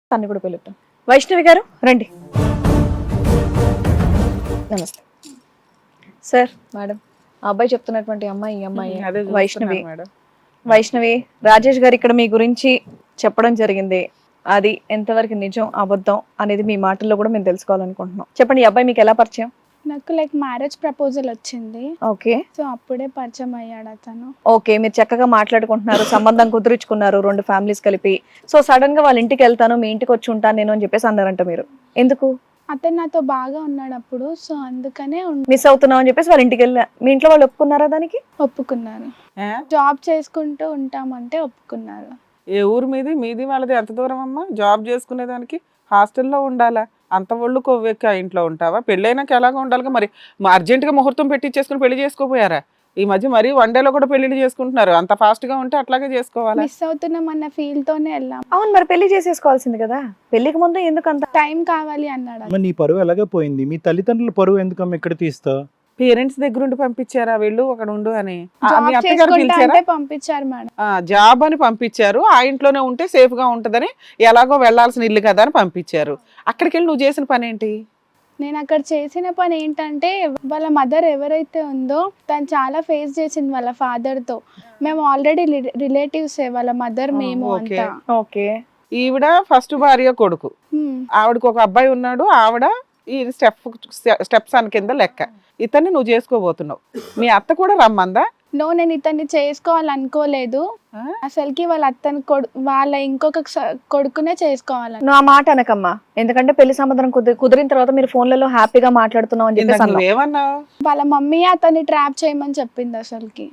తన్ని కూడా పిలుద్దాం. వైష్ణవి గారు రండి. నమస్తే సార్. మేడం, ఆ అబ్బాయి చెప్తున్నటువంటి అమ్మాయి ఈ అమ్మాయి వైష్ణవి. వైష్ణవి, రాజేష్ గారు ఇక్కడ మీ గురించి చెప్పడం జరిగింది. అది ఎంతవరకు నిజం అబద్ధం అనేది మీ మాటల్లో కూడా మేము తెలుసుకోవాలనుకుంటున్నాం. చెప్పండి, ఈ అబ్బాయి మీకు ఎలా పరిచయం? నాకు మ్యారేజ్ ప్రపోజల్ వచ్చింది. ఓకే. సో అప్పుడే పరిచయం అయ్యాడు అతను. ఓకే, మీరు చక్కగా మాట్లాడుకుంటున్నారు, సంబంధం కుదుర్చుకున్నారు రెండు ఫ్యామిలీస్ కలిపి. సో సడన్ గా వాళ్ళ ఇంటికి వెళ్తాను, మీ ఇంటికి వచ్చి ఉంటాను నేను అని చెప్పేసి అన్నారంట. మీరు ఎందుకు? అతను నాతో బాగా ఉన్నాడు అప్పుడు, సో అందుకనే మిస్ అవుతున్నాం అని చెప్పేసి వాళ్ళ ఇంటికి వెళ్ళా. మీ ఇంట్లో వాళ్ళు ఒప్పుకున్నారా దానికి? ఒప్పుకున్నారు. జాబ్ చేసుకుంటూ ఉంటామంటే ఒప్పుకున్నారు. ఏ ఊరు మీది వాళ్ళది ఎంత దూరం అమ్మా? జాబ్ చేసుకునేదానికి హాస్టల్లో ఉండాలా? అంత ఒళ్ళు కొవ్వెక్కి ఆ ఇంట్లో ఉంటావా? పెళ్ళైనాక ఎలాగో ఉండాలిగా. మరి అర్జెంటుగా ముహూర్తం పెట్టించేసుకుని పెళ్లి చేసుకోపోయారా? ఈ మధ్య మరి వన్ డేలో కూడా పెళ్లిళ్ళు చేసుకుంటున్నారు. అంత ఫాస్ట్ గా ఉంటే అట్లాగే చేసుకోవాలి. మిస్ అవుతున్నాం అన్న ఫీల్ తోనే వెళ్ళాం. అవును, మరి పెళ్లి చేసేసుకోవాల్సింది కదా. పెళ్లికి ముందు ఎందుకు అంత టైం కావాలి అన్నాడు. నీ పరువు ఎలాగే పోయింది, మీ తల్లిదండ్రుల పరువు ఎందుకమ్మ ఇక్కడ తీస్తావు? పేరెంట్స్ దగ్గర ఉండి పంపించారా వీళ్ళు అక్కడ ఉండు అని? మీ జాబ్ అత్తగారు చేసుకుంటా పిలిచారా? అంటే పంపించారు మేడం. జాబ్ అని పంపించారు. ఆ ఇంట్లోనే ఉంటే సేఫ్ గా ఉంటదని, ఎలాగో వెళ్లాల్సిన ఇల్లు కదా అని పంపించారు. అక్కడికి వెళ్ళి నువ్వు చేసిన పని ఏంటి? నేను అక్కడ చేసిన పని ఏంటంటే, వాళ్ళ మదర్ ఎవరైతే ఉందో తను చాలా ఫేస్ చేసింది వాళ్ళ ఫాదర్ తో. మేము ఆల్రెడీ రిలేటివ్స్, వాళ్ళ మదర్ మేము అంతా. ఓకే. ఈవిడ ఫస్ట్ భార్య కొడుకు, ఆవిడకు ఒక అబ్బాయి ఉన్నాడు. ఆవిడ ఈ స్టెప్ సన్ కింద లెక్క. ఇతన్ని నువ్వు చేసుకోబోతున్నావు. మీ అత్త కూడా రమ్మందా? నో, నేను ఇతన్ని చేసుకోవాలనుకోలేదు అసలుకి. వాళ్ళ అత్తని వాళ్ళ ఇంకొక కొడుకునే చేసుకోవాలని. నువ్వు ఆ మాట అనకమ్మా, ఎందుకంటే పెళ్లి సంబంధం కుదిరిన తర్వాత మీరు ఫోన్లలో హ్యాపీగా మాట్లాడుతున్నావు అని చెప్పేసి అన్నావు. ఏమన్నావు? వాళ్ళ మమ్మీ అతన్ని ట్రాప్ చేయమని చెప్పింది అసలుకి.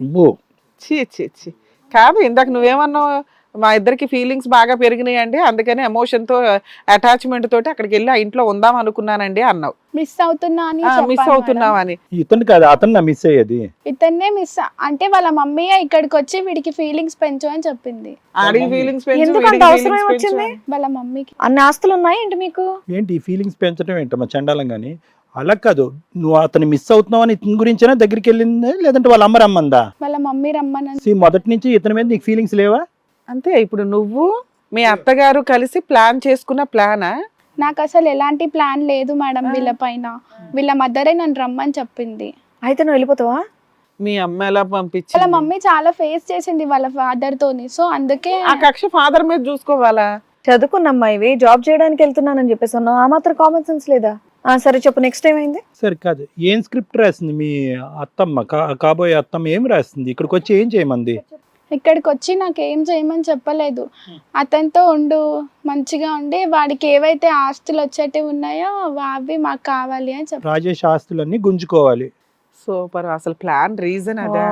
ఛీ కాదు, ఇందాక నువ్వేమన్నావు? మా ఇద్దరికి ఫీలింగ్స్ బాగా పెరిగినాయండి, అందుకని ఎమోషన్ తో అటాచ్మెంట్ తోటి అక్కడికి వెళ్ళి ఆ ఇంట్లో ఉందాం అనుకున్నానండి అన్నావు. మిస్ అవుతున్నా అని మిస్ అవుతున్నావు అని. ఇతను కాదు, అతను మిస్ అయ్యేది. ఇతన్నే మిస్ అంటే వాళ్ళ మమ్మీ ఇక్కడికి వచ్చి వీడికి ఫీలింగ్స్ పెంచు అని చెప్పింది. ఆడికి ఫీలింగ్స్ ఎందుకు అంత అవసరం ఏమొచ్చింది? వాళ్ళ మమ్మీకి అన్ని ఆస్తులు ఉన్నాయి ఏంటి మీకు? ఏంటి ఫీలింగ్స్ పెంచడం ఏంటమ్మా చండాలం? కానీ అలా కాదు, నువ్వు అతను మిస్ అవుతున్నావు అని ఇతని గురించేనా దగ్గరికి వెళ్ళింది, లేదంటే వాళ్ళ అమ్మ రమ్మందా? వాళ్ళ మమ్మీ రమ్మని. మొదటి నుంచి ఇతని మీద నీకు ఫీలింగ్స్ లేవా? అంతే. ఇప్పుడు నువ్వు మీ అత్తగారు కలిసి ప్లాన్ చేసుకున్న ప్లానా? నాకు అసలు ఎలాంటి ప్లాన్ లేదు మేడం వీళ్ళ పైన. వీళ్ళ మదరే నన్ను రమ్మని చెప్పింది. అయితే నువ్వు వెళ్ళిపోతావా? మీ అమ్మ ఎలా పంపించి? వాళ్ళ మమ్మీ చాలా ఫేస్ చేసింది వాళ్ళ ఫాదర్ తోని, సో అందుకే. ఆ కక్ష ఫాదర్ మీద చూసుకోవాలా? చదువుకున్న అమ్మాయివి, జాబ్ చేయడానికి వెళ్తున్నానని చెప్పేసి అన్నావు. ఆ మాత్రం కామన్ సెన్స్ లేదా? సరే చెప్పు, నెక్స్ట్ ఏమైంది? సరే కాదు, ఏం స్క్రిప్ట్ రాసింది మీ అత్తమ్మ, కాబోయే అత్తమ్మ ఏం రాసింది? ఇక్కడికి వచ్చి ఏం చేయమంది? ఇక్కడికి వచ్చి నాకు ఏం చేయమని చెప్పలేదు. అతనితో ఉండు, మంచిగా ఉండి వాడికి ఏవైతే ఆస్తులు వచ్చేటివి ఉన్నాయో అవి మాకు కావాలి అని చెప్పి. రాజేష్ ఆస్తులన్నీ గుంజుకోవాలి. సూపర్. అసలు ప్లాన్ రీజన్ అదా?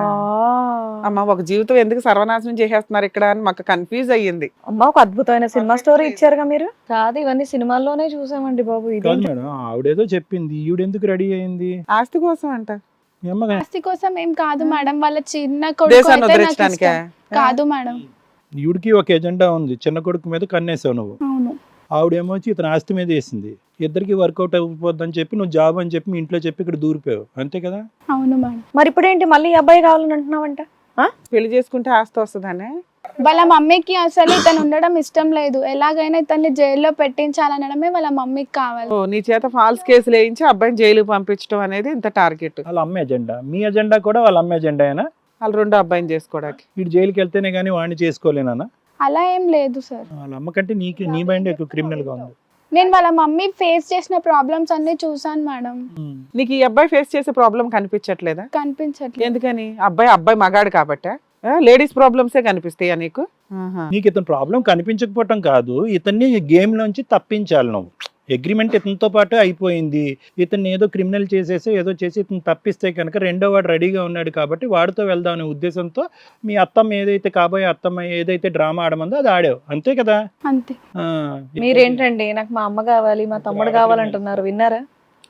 అమ్మ, ఒక జీవితం ఎందుకు సర్వనాశనం చేసేస్తున్నారు ఇక్కడ అని మాకు కన్ఫ్యూజ్ అయ్యింది. అమ్మ, ఒక అద్భుతమైన సినిమా స్టోరీ ఇచ్చారుగా మీరు. కాదు, ఇవన్నీ సినిమాల్లోనే చూసామండి బాబు. ఇది మేడం, ఆవిడేదో చెప్పింది, ఈవిడెందుకు రెడీ అయింది? ఆస్తి కోసం అంట. ఆస్తి కోసం ఏం కాదు మేడం, వాళ్ళ చిన్న కొడుకు అయితే నాకు ఇష్టం. కాదు మేడం, ఈవిడికి ఒక ఎజెండా ఉంది, చిన్న కొడుకు మీద కన్నేసావు నువ్వు. అవును. ఆవిడేమో వచ్చి ఇతను ఆస్తి మీద వేసింది. ఇద్దరికి వర్కౌట్ అయిపోద్దని చెప్పి నువ్వు జాబ్ అని చెప్పి మీ ఇంట్లో చెప్పి ఇక్కడ దూరిపోయావు, అంతే కదా? అవును మేడం. మరి ఇప్పుడు ఏంటి, మళ్ళీ అబ్బాయి కావాలని అంటున్నావంట? పెళ్లి చేసుకుంటే ఆస్తి వస్తుందనే? వాళ్ళ మమ్మీకి అసలు ఇతను ఉండడం ఇష్టం లేదు. ఎలాగైనా ఇతన్ని జైల్లో పెట్టించాలనడమే వాళ్ళ మమ్మీకి కావాలి. నీ చేత ఫాల్స్ కేసులు వేయించి అబ్బాయిని జైలుకి పంపించడం అనేది ఇంత టార్గెట్. వాళ్ళ అమ్మ ఎజెండా, మీ ఎజెండా కూడా వాళ్ళ అమ్మ ఎజెండా అయినా? వాళ్ళు రెండో అబ్బాయిని చేసుకోవడానికి. వీడు జైలుకి వెళ్తేనే కానీ వాడిని చేసుకోలేనా? అలా ఏం లేదు సార్. వాళ్ళ అమ్మ కంటే నీ మైండ్ ఎక్కువ క్రిమినల్ గా ఉంది. నేను వాళ్ళ మమ్మీ ఫేస్ చేసిన ప్రాబ్లమ్స్ అన్ని చూసాను మేడం. నీకు ఈ అబ్బాయి ఫేస్ చేసే ప్రాబ్లం కనిపించట్లేదా? కనిపించట్లేదు. ఎందుకని? అబ్బాయి మగాడు కాబట్టే లేడీస్ ప్రాబ్లమ్సే కనిపిస్తాయా నీకు? నీకు ఇతను ప్రాబ్లం కనిపించకపోవటం కాదు, ఇతన్ని గేమ్ లోంచి తప్పించాలి నువ్వు. అగ్రిమెంట్ ఇతనితో పాటు అయిపోయింది, ఇతన్ని ఏదో క్రిమినల్ చేసేసి ఏదో చేసి ఇతను తప్పిస్తే కనుక రెండో వాడు రెడీగా ఉన్నాడు కాబట్టి వాడితో వెళ్దాం అనే ఉద్దేశంతో మీ అత్తమ్మ ఏదైతే కాబోయే అత్తమ్మ ఏదైతే డ్రామా ఆడమందో అది ఆడావు, అంతే కదా? అంతే. మీరేంటండి, నాకు మా అమ్మ కావాలి, మా తమ్ముడు కావాలంటున్నారు, విన్నారా?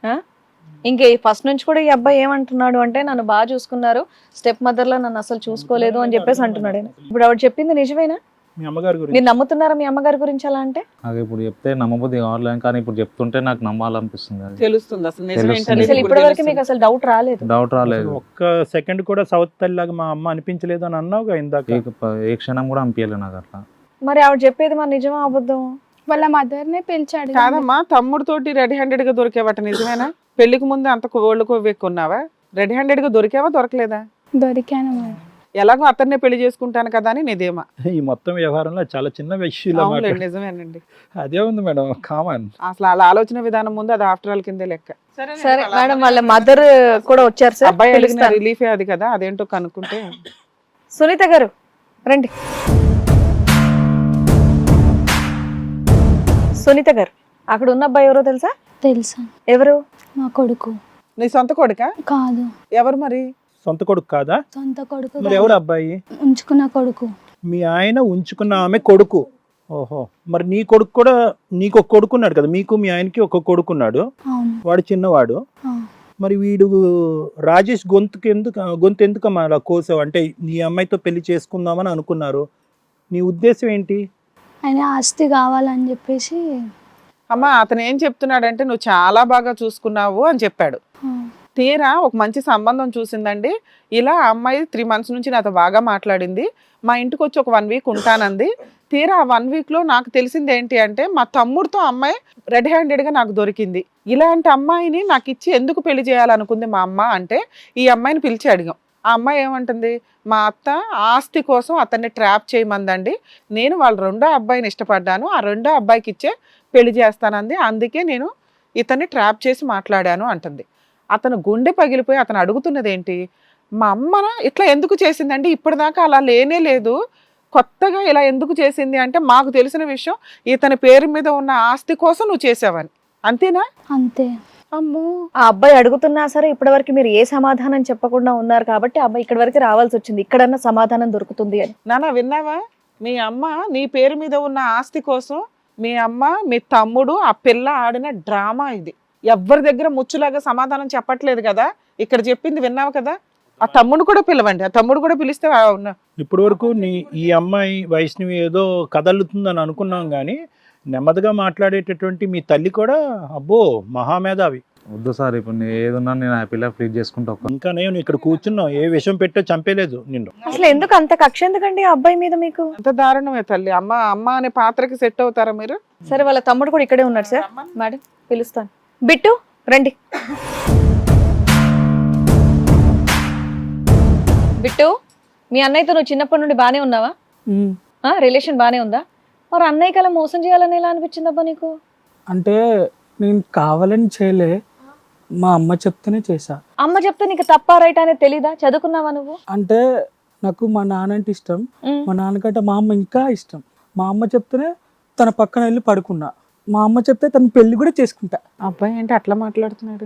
ఇంకే ఫస్ట్ నుంచి కూడా ఈ అబ్బాయి ఏమంటున్నాడు అంటే, నన్ను బాగా చూసుకున్నారు, స్టెప్ మదర్ లా నన్ను అసలు చూసుకోలేదు అని చెప్పేసి అంటున్నాడు. ఇప్పుడు ఆవిడ చెప్పింది నిజమేనా? మీ అమ్మగారి గురించి మీరు నమ్ముతున్నారా మీ అమ్మగారి గురించి? అలా అంటే నాకు ఇప్పుడు చెప్తే నమ్మబుద్ధి కావాలి, కానీ ఇప్పుడు చెప్తుంటే నాకు నమ్మాలనిపిస్తుంది. అది తెలుస్తుంది అసలు నిజం తెలుస్తుంది. ఏంటనేది అసలు ఇప్పుడు ఇప్పటి వరకు మీకు అసలు డౌట్ రాలేదు? డౌట్ రాలేదు. ఒక్క సెకండ్ కూడా సౌత్ తల్లిలాగా మా అమ్మ అనిపించలేదు అని అన్నావుగా ఇందాక. ఏ క్షణం కూడా అనిపించలేదు నాకు అట్లా. మరి ఆవిడ చెప్పేది మరి నిజమా అబద్ధం? వాళ్ళ మదర్నే పిలిచాడు. కాదమ్మా, తమ్ముడితోటి రెడీ హ్యాండెడ్ గా దొరికేవట నిజమేనా? పెళ్లికి ముందు అంత ఒళ్ళు కొవ్వెక్కున్నావా? రెడీ హ్యాండెడ్ గా దొరికావా దొరకలేదా? దొరికాను మేడం. ఎలాగో అతన్నే పెళ్లి చేసుకుంటాను కదా అని నీదేమా? ఈ మొత్తం వ్యవహారంలో చాలా చిన్న విషయంలో అవునులేండి, నిజమేనండి. అదే ఉంది మేడం, కామన్. అసలు అలా ఆలోచన విధానం ముందు అది ఆఫ్టర్ ఆల్ కిందే లెక్క. సరే మేడం, వాళ్ళ మదర్ కూడా వచ్చారు సార్. అబ్బాయి అడిగిన పిలుస్తాను. రిలీఫే అది కదా, అదేంటో కనుక్కుంటే. సునీత గారు రండి. సునీత గారు, అక్కడ ఉన్న అబ్బాయి ఎవరో తెలుసా? తెలుసా? ఎవరు? మా కొడుకు. నీ సొంత కొడుకా? కాదు. ఎవరు మరి? సొంత కొడుకు కాదా? సొంత కొడుకు మరి ఎవరు అబ్బాయి? ఉంచుకున్న కొడుకు. మీ ఆయన ఉంచుకున్న ఆమె కొడుకు. ఓహో, మరి నీ కొడుకు కూడా, నీకు ఒక కొడుకున్నాడు కదా, మీకు మీ ఆయనకి ఒక కొడుకున్నాడు, అవును. వాడు చిన్నవాడు. ఆ. మరి వీడు రాజేష్ గొంతు ఎందుకమ్మా అలా కోసావు? అంటే నీ అమ్మాయితో పెళ్లి చేసుకుందామని అనుకున్నారు, నీ ఉద్దేశం ఏంటి? ఆయన ఆస్తి కావాలని చెప్పేసి. అమ్మ, అతను ఏం చెప్తున్నాడంటే నువ్వు చాలా బాగా చూసుకున్నావు అని చెప్పాడు. ఆ. తీరా ఒక మంచి సంబంధం చూసిందండి. ఇలా ఆ అమ్మాయి 3 months నుంచి నాతో బాగా మాట్లాడింది, మా ఇంటికి వచ్చి ఒక 1 week ఉంటానంది. తీరా ఆ 1 week లో నాకు తెలిసింది ఏంటి అంటే మా తమ్ముడితో అమ్మాయి రెడ్ హ్యాండెడ్ గా నాకు దొరికింది. ఇలాంటి అమ్మాయిని నాకు ఇచ్చి ఎందుకు పెళ్లి చేయాలనుకుంది మా అమ్మ అంటే ఈ అమ్మాయిని పిలిచి అడిగాం. ఆ అమ్మాయి ఏమంటుంది, మా అత్త ఆస్తి కోసం అతన్ని ట్రాప్ చేయమందండి, నేను వాళ్ళ రెండో అబ్బాయిని ఇష్టపడ్డాను, ఆ రెండో అబ్బాయికి ఇచ్చే పెళ్లి చేస్తానంది, అందుకే నేను ఇతన్ని ట్రాప్ చేసి మాట్లాడాను అంటుంది. అతను గుండె పగిలిపోయి అతను అడుగుతున్నది ఏంటి, మా అమ్మన ఇట్లా ఎందుకు చేసిందండి, ఇప్పటిదాకా అలా లేనే లేదు, కొత్తగా ఇలా ఎందుకు చేసింది అంటే మాకు తెలిసిన విషయం ఇతని పేరు మీద ఉన్న ఆస్తి కోసం నువ్వు చేసావని, అంతేనా? అంతే. అమ్మో, ఆ అబ్బాయి అడుగుతున్నా సరే ఇప్పటివరకు మీరు ఏ సమాధానం చెప్పకుండా ఉన్నారు కాబట్టి ఆ అబ్బాయి ఇక్కడి వరకు రావాల్సి వచ్చింది, ఇక్కడన్నా సమాధానం దొరుకుతుంది అని. నాన్న విన్నావా? మీ అమ్మ నీ పేరు మీద ఉన్న ఆస్తి కోసం మీ అమ్మ మీ తమ్ముడు ఆ పిల్ల ఆడిన డ్రామా ఇది. ఎవరి దగ్గర ముచ్చులాగా సమాధానం చెప్పట్లేదు కదా, ఇక్కడ చెప్పింది విన్నావు కదా. ఆ తమ్ముడు కూడా పిలవండి, ఆ తమ్ముడు కూడా పిలిస్తే ఇప్పటి వరకు ఈ అమ్మాయి వైష్ణవి ఏదో కదలుతుందని అనుకున్నాం కానీ నెమ్మదిగా మాట్లాడేటటువంటి మీ తల్లి కూడా అబ్బో మహామేధావి. వద్దు సార్, ఇప్పుడు నేను ఏదున్నా నేను హ్యాపీగా ఫ్లీట్ చేసుకుంటా. ఇంకా నేను ఇక్కడ కూర్చున్నావు, ఏ విషయం పెట్టో చంపేలేదు నిన్ను. అసలు ఎందుకు అంత కక్ష ఎందుకండి ఆ అబ్బాయి మీద మీకు? అంత దారుణమే తల్లి. అమ్మ అమ్మ అనే పాత్రకి సెట్ అవుతారా మీరు? సరే, వాళ్ళ తమ్ముడు కూడా ఇక్కడే ఉన్నాడు సార్. మేడం పిలుస్తాను. బిట్టు రండి. బిట్టు, మీ అన్నయ్యతో నువ్వు చిన్నప్పటి నుండి బానే ఉన్నావా? రిలేషన్ బానే ఉందా? మరి అన్నయ్య కల మోసం చేయాలని ఎలా అనిపించిందబ్బా నీకు? అంటే నేను కావాలని చేయలే, మా అమ్మ చెప్తేనే చేశా. అమ్మ చెప్తే నీకు తప్ప రైట్ అనేది తెలీదా? చదువుకున్నావా నువ్వు? అంటే నాకు మా నాన్న అంటే ఇష్టం, మా నాన్నకంటే మా అమ్మ ఇంకా ఇష్టం. మా అమ్మ చెప్తేనే తన పక్కన వెళ్ళి పడుకున్నా, మా అమ్మ చెప్తే తన పెళ్లి కూడా చేసుకుంటా. అబ్బాయి ఏంటి అట్లా మాట్లాడుతున్నాడు?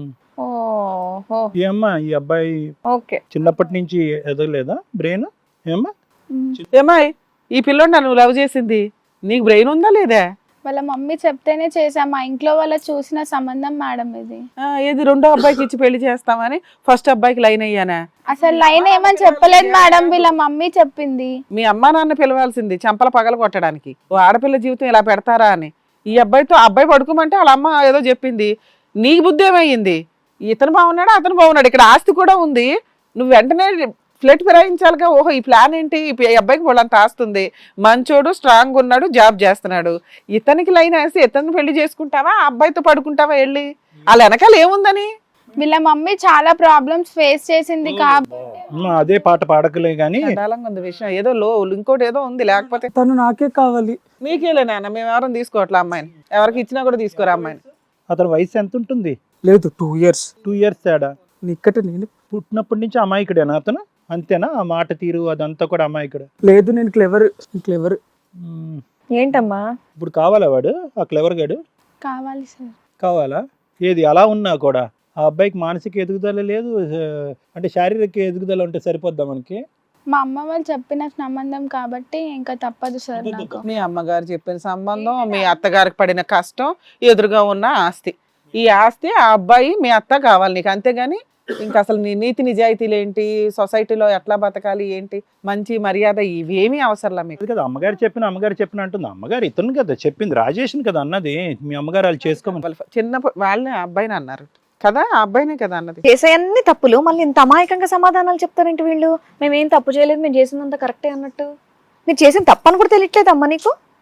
ఓహో, ఏమ్మా ఈ అబ్బాయి ఓకే. చిన్నప్పటి నుంచి ఎదగలేదా బ్రెయిన్? ఏమ్మా ఏమాయ్, ఈ పిల్లోడు నన్ను లవ్ చేసింది, నీకు బ్రెయిన్ ఉందా లేదా? వాళ్ళ మమ్మీ చెప్తేనే చేసా, మా ఇంట్లో వాళ్ళ చూసిన సంబంధం మేడం ఇది. ఏది రెండో అబ్బాయికి ఇచ్చి పెళ్లి చేస్తామని ఫస్ట్ అబ్బాయికి లైన్ అయ్యానా? అసలు లైన్ ఏమని చెప్పలేదు మేడం, వీళ్ళ మమ్మీ చెప్పింది. మీ అమ్మా నాన్న పిలవాల్సింది చంపల పగల కొట్టడానికి, ఓ ఆడపిల్ల జీవితం ఇలా పెడతారా అని. ఈ అబ్బాయితో అబ్బాయి పడుకోమంటే వాళ్ళ అమ్మ ఏదో చెప్పింది, నీకు బుద్ధి ఏమయ్యింది? ఇతను బాగున్నాడు అతను బాగున్నాడు, ఇక్కడ ఆస్తి కూడా ఉంది, నువ్వు వెంటనే ఫ్లెట్ ఫిరాయించాలిగా. ఓహో ఈ ప్లాన్ ఏంటి, ఈ అబ్బాయికి వాళ్ళంత ఆస్తుంది, మంచోడు స్ట్రాంగ్ ఉన్నాడు జాబ్ చేస్తున్నాడు, ఇతనికి లైన్ వేసి ఇతను పెళ్లి చేసుకుంటావా ఆ అబ్బాయితో పడుకుంటావా వెళ్ళి? వాళ్ళ వెనకాల ఏముందని? వీళ్ళ మమ్మీ చాలా ప్రాబ్లమ్స్ ఫేస్ చేసింది అదే పాట పాడకలే గానీ ఉంది విషయం, ఏదో ఇంకోటి ఏదో ఉంది, లేకపోతే తను నాకే కావాలి. నీకేలే నాన్న, మేము ఎవరైనా తీసుకోవట్లే అమ్మాయిని, ఎవరికి ఇచ్చినా కూడా తీసుకోరా అమ్మాయిని. అతని వయసు ఎంత ఉంటుంది? లేదు 2 years. 2 years తేడా. నిక్కట నేను పుట్టినప్పటి నుంచి అమాయకుడేనా అతను? అంతేనా? ఆ మాట తీరు అదంతా కూడా అమాయకుడు? లేదు, నేను క్లెవర్. ఏంటమ్మా ఇప్పుడు కావాలా వాడు ఆ క్లెవర్ గాడు? కావాలి సార్. కావాలా? ఏది అలా ఉన్నా కూడా ఆ అబ్బాయికి మానసిక ఎదుగుదల లేదు, అంటే శారీరక ఎదుగుదల ఉంటే సరిపోద్దా మనకి? మా అమ్మ వాళ్ళు చెప్పిన సంబంధం కాబట్టి ఇంకా తప్పదు సార్ నాకు. మీ అమ్మగారు చెప్పిన సంబంధం, మీ అత్తగారికి పడిన కష్టం, ఎదురుగా ఉన్న ఆస్తి, ఈ ఆస్తి ఆ అబ్బాయి మీ అత్త కావాలి నీకు, అంతేగాని ఇంకా అసలు నీ నీతి నిజాయితీలు ఏంటి, సొసైటీలో ఎట్లా బతకాలి ఏంటి, మంచి మర్యాద ఇవేమీ అవసరంలా మీకు కదా. అమ్మగారు చెప్పిన అంటుంది. అమ్మగారు ఇతను కదా చెప్పింది, రాజేష్ని కదా అన్నది. మీ అమ్మగారు వాళ్ళు చేసుకోమని చిన్న వాళ్ళని అబ్బాయిని అన్నారు కదా, ఆ అబ్బాయినే కదా అన్నది. చేసే అన్ని తప్పులు మళ్ళీ ఇంత అమాయకంగా సమాధానాలు చెప్తారేంటి వీళ్ళు? మేమేం తప్పు చేయలేదు, మేము చేసిందంత కరెక్టే అన్నట్టు. మీరు చేసిన తప్పు అని కూడా తెలియట్లేదు అమ్మ నీకు?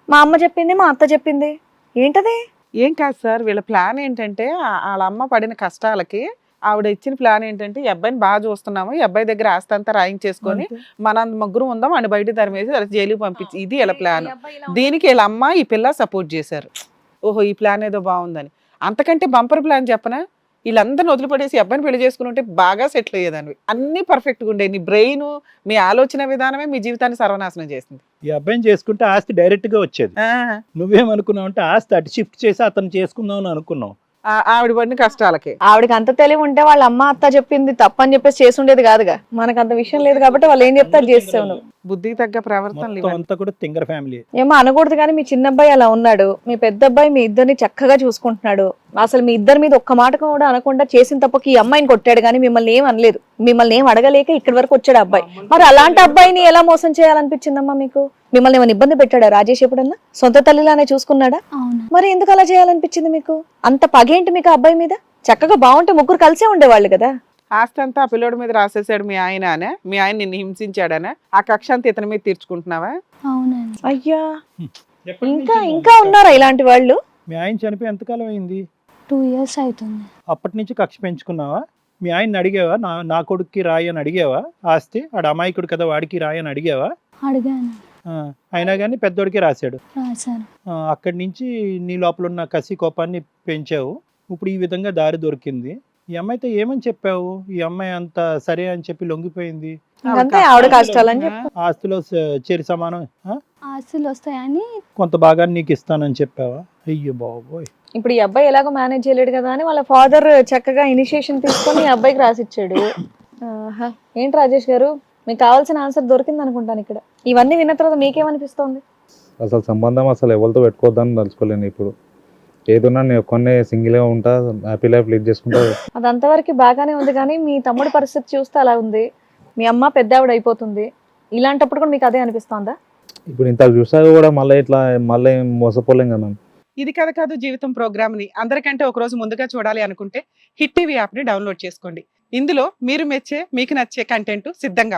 మా అమ్మ చెప్పింది, మా అత్త చెప్పింది, ఏంటది? ఏం కాదు సార్, వీళ్ళ ప్లాన్ ఏంటంటే వాళ్ళ అమ్మ పడిన కష్టాలకి ఆవిడ ఇచ్చిన ప్లాన్ ఏంటంటే ఈ అబ్బాయిని బాగా చూస్తున్నాము, ఈ అబ్బాయి దగ్గర ఆస్తి అంతా రాయించేసుకొని మన ముగ్గురు ఉందాం అని బయట తరిమేసి అలా జైలుకి పంపించి, ఇది వీళ్ళ ప్లాన్. దీనికి వీళ్ళ అమ్మ ఈ పిల్ల సపోర్ట్ చేశారు. ఓహో ఈ ప్లాన్ ఏదో బాగుందని. అంతకంటే బంపర్ ప్లాన్ చెప్పనా, వీళ్ళందరిని వదిలిపడేసి అబ్బాయిని పెళ్లి చేసుకుని ఉంటే బాగా సెటిల్ అయ్యేదాన్ని. అన్ని పర్ఫెక్ట్గా ఉండే. నీ బ్రెయిన్, మీ ఆలోచన విధానమే మీ జీవితాన్ని సర్వనాశనం చేసింది. ఈ అబ్బాయిని చేసుకుంటే ఆస్తి డైరెక్ట్ గా వచ్చేది. నువ్వేమనుకున్నావు అంటే ఆస్తి అటు షిఫ్ట్ చేసి అతను చేసుకుందాం అని అనుకున్నావు. ఆవిడ పడిన కష్టాలకి ఆవిడకి అంత తెలివి ఉంటే వాళ్ళ అమ్మ అత్త చెప్పింది తప్పని చెప్పేసి చేసి ఉండేది కాదుగా. మనకు అంత విషయం లేదు కాబట్టి వాళ్ళు ఏం చెప్తారు చేస్తావు నువ్వు. బుద్ధికి తగ్గ ప్రవర్తనలు మొత్తం ఇవన్నీ. అంతా కూడా తింగర్ ఫ్యామిలీ. ఏమో అనకూడదు కానీ మీ చిన్న అబ్బాయి అలా ఉన్నాడు, మీ పెద్ద అబ్బాయి మీ ఇద్దరిని చక్కగా చూసుకుంటున్నాడు. అసలు మీ ఇద్దరి మీద ఒక్క మాట కూడా అనకుండా చేసిన తప్పకి ఈ అమ్మాయిని కొట్టాడు కానీ మిమ్మల్ని ఏం అనలేదు. మిమ్మల్ని ఏం అడగలేక ఇక్కడి వరకు వచ్చాడు అబ్బాయి. మరి అలాంటి అబ్బాయిని ఎలా మోసం చేయాలనిపించిందమ్మా మీకు? మిమ్మల్ని ఏమైనా ఇబ్బంది పెట్టాడా రాజేష్ ఎప్పుడన్నా? సొంత తల్లిలానే చూసుకున్నాడా? అవును. మరి ఎందుకు అలా చేయాలనిపించింది మీకు? అంత పగేంటి మీకు ఆ అబ్బాయి మీద? చక్కగా బాగుంటే ముగ్గురు కలిసే ఉండేవాళ్ళు కదా. ఆస్తి అంతా ఆ పిల్లోడి మీద రాసేసాడు మీ ఆయన అనే, మీ ఆయన నిన్ను హింసించాడనే, ఆ కక్ష అంతా ఇతని మీద తీర్చుకుంటున్నావా? అవునండి. అయ్యా, ఇంకా ఉన్నారా ఇలాంటి వాళ్ళు? మీ ఆయన చనిపోయి ఎంతకాలం అయింది? 2 years అవుతుంది. అప్పటి నుంచి కక్ష పెంచుకున్నావా? మీ ఆయన్ని అడిగావా? నా కొడుక్కి రాయి అని అడిగావా? ఆస్తి ఆడ అమాయకుడు కదా వాడికి రాయి అని అడిగావా? అడిగాను. అయినా కానీ పెద్దోడికి రాశాడు. రాశారు. అక్కడి నుంచి నీ లోపల ఉన్న కసి కోపాన్ని పెంచావు. ఇప్పుడు ఈ విధంగా దారి దొరికింది. ఈ అమ్మాయితో ఏమని చెప్పావు? ఈ అమ్మాయి అంత సరే అని చెప్పి లొంగిపోయింది. అంతే ఆవిడ కష్టాలని చెప్పు. ఆస్తిలో చేరి సమానం ఆస్తులు వస్తాయని కొంత భాగాన్ని నీకు ఇస్తానని చెప్పావా? అయ్యో బాబోయ్. ఇప్పుడు ఈ అబ్బాయి ఎలాగో మేనేజ్ చేయలేడు కదా అని వాళ్ళ ఫాదర్ చక్కగా ఇనిషియేషన్ తీసుకొని ఈ అబ్బాయికి రాసిచ్చాడు. ఆహా. ఏంటి రాజేష్ గారు, మీకు కావాల్సిన ఆన్సర్ దొరికింది అనుకుంటాను ఇక్కడ. ఇవన్నీ విన్న తర్వాత మీకేమనిపిస్తోంది? అసలు సంబంధం అసలు ఎవరితో పెట్టుకోవద్దని తలుచుకోలేను. ఇప్పుడు ఏదన్నా నేను ఒక్కనే సింగిల్గా ఉంటా, హ్యాపీ లైఫ్ లీడ్ చేసుకుంటా. అది అంతవరకు బాగానే ఉంది కానీ మీ తమ్ముడి పరిస్థితి చూస్తే అలా ఉంది. మీ అమ్మ పెద్ద ఆవిడ అయిపోతుంది. ఇలాంటప్పుడు కూడా మీకు అదే అనిపిస్తోందా? ఇప్పుడు ఇంత చూసాక కూడా మళ్ళీ మోసపోలేం కదా మ్యామ్. ఇది కథ కాదు జీవితం ప్రోగ్రామ్ ని అందరికంటే ఒక రోజు ముందుగా చూడాలి అనుకుంటే హిట్ టీవీ యాప్ ని డౌన్లోడ్ చేసుకోండి. ఇందులో మీరు మెచ్చే, మీకు నచ్చే కంటెంట్ సిద్ధంగా